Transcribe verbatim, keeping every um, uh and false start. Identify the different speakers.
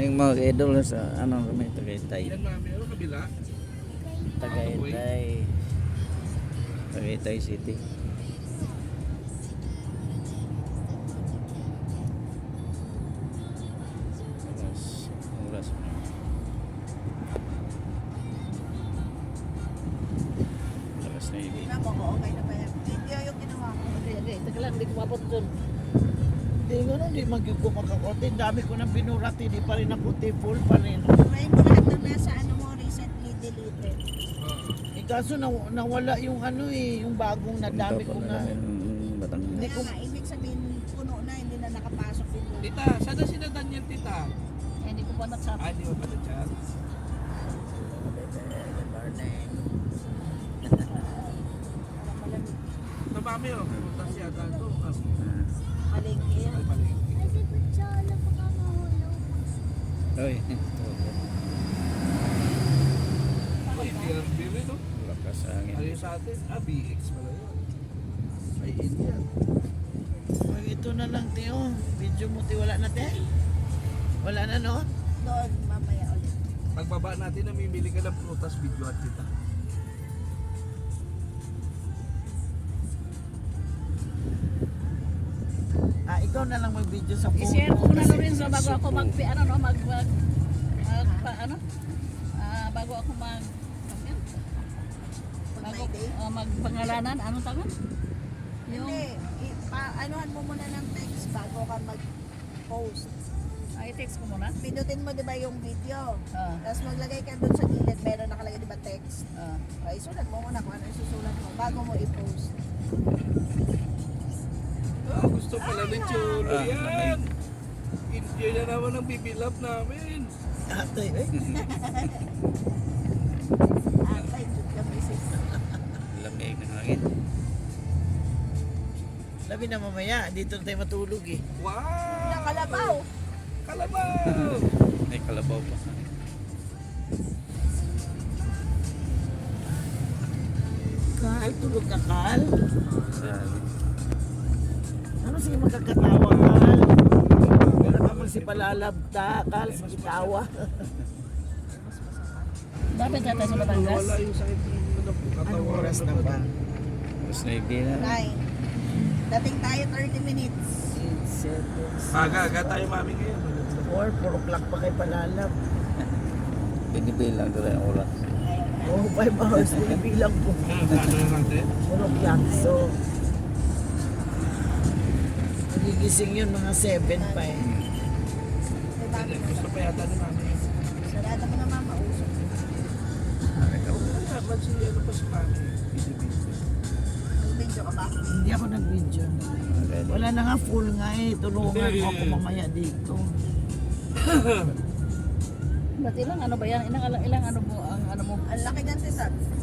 Speaker 1: morning mga idol sa ano kami Tagaytay.
Speaker 2: Yan mami, ano kabila?
Speaker 1: Tagaytay. Tagaytay City. Oras, oras. Oras na ibig.
Speaker 3: Na mo, okay na ba yan? Video yung ginawa ko.
Speaker 4: Hindi, hindi. Teka lang, hindi ko mabot dun.
Speaker 5: Hindi ko na, hindi magiging makakote. Dami ko nang binurat, hindi pa rin ako full pa rin.
Speaker 3: Try mo lahat na nasa ano mo, recently deleted.
Speaker 5: Eh, kaso na, nawala yung ano eh, yung bagong nadami ko na.
Speaker 1: Batang.
Speaker 5: Hindi
Speaker 3: Kaya
Speaker 5: ko,
Speaker 3: nga, ibig sabihin, puno na, hindi na nakapasok din doon.
Speaker 2: Tita, sana sila Daniel, tita?
Speaker 4: Eh, hindi ko pa nagsap.
Speaker 2: Ah, hindi mo pa na-chat. Na mami, oh, pumunta siya dito.
Speaker 3: Malingki yan.
Speaker 2: Ay, mali.
Speaker 1: Oy.
Speaker 2: Ay, B R B rin, no?
Speaker 1: Lakas angin.
Speaker 2: Ano yung sa atin? Ah, B X pala yun. Ay, Indian.
Speaker 5: pag ito na lang, Teo. Video mo, Teo, wala na, Teo? Wala na, no?
Speaker 3: Doon, mamaya ulit.
Speaker 2: Pagbaba natin, namimili ka ng prutas, video at kita.
Speaker 5: Ah, ikaw na lang mag-video sa phone.
Speaker 4: I-share ko muna
Speaker 5: Kasi-
Speaker 4: Lorenzo bago ako mag, ano, no, mag, mag, mag, pa, ano, ah, bago ako mag, mag, yan.
Speaker 3: Pag
Speaker 4: bago,
Speaker 3: may day.
Speaker 4: uh, magpangalanan, anong tawag? Yung,
Speaker 3: Hindi, i- pa, anuhan mo muna ng text bago ka mag-post.
Speaker 4: ay, text ko muna.
Speaker 3: Pinutin mo, di ba, yung video?
Speaker 4: Ah,
Speaker 3: Tapos maglagay ka doon sa gilid, meron nakalagay, di ba, text?
Speaker 4: ah.
Speaker 3: Okay, sulat mo muna kung ano yung susulat mo bago mo i-post.
Speaker 2: Ah, gusto pala ni Cholo
Speaker 1: Ah,
Speaker 2: yan. Indian na naman ang bibilap namin.
Speaker 5: Ate, eh.
Speaker 3: Atay, jud ka, misis.
Speaker 1: Lamig ng hangin.
Speaker 5: Labi na mamaya, dito na tayo matulog eh.
Speaker 2: Wow!
Speaker 3: Nakalabaw!
Speaker 2: Kalabaw!
Speaker 1: May kalabaw pa.
Speaker 5: Kal, tulog ka, Kal.
Speaker 1: Sabi.
Speaker 5: Ano sige magkakatawa, Kal? Wala ka man si palalabta, Kal, sige tawa.
Speaker 4: Dapat tayo sa Batangas.
Speaker 2: Wala yung sakit ng
Speaker 5: Anong
Speaker 2: katawan.
Speaker 5: oras na ba?
Speaker 1: Oras na ibig na.
Speaker 3: Nine. Dating tayo thirty minutes.
Speaker 5: eight, seven,
Speaker 2: Aga-aga tayo mami ngayon.
Speaker 5: four, four o'clock pa kay palalab.
Speaker 1: Binibilang ko rin ang oras.
Speaker 5: Oh, five hours na bilang po.
Speaker 2: Ano na natin?
Speaker 5: four o'clock, so nagigising yun mga seven pa eh.
Speaker 3: May bago na.
Speaker 2: Gusto pa yata ni mami.
Speaker 3: Sarada mo naman mausok.
Speaker 2: Wala, ba't si ano pa si mami? Busy-busy.
Speaker 3: Mag-video ka ba?
Speaker 5: Hindi ako nag-video.
Speaker 1: Ready?
Speaker 5: Wala na nga full nga eh. Tulungan mo ako mamaya dito.
Speaker 4: Ba't ilang ano ba yan? Ilang, ilang ano mo, ang ano mo?
Speaker 3: Ang laki ng titat.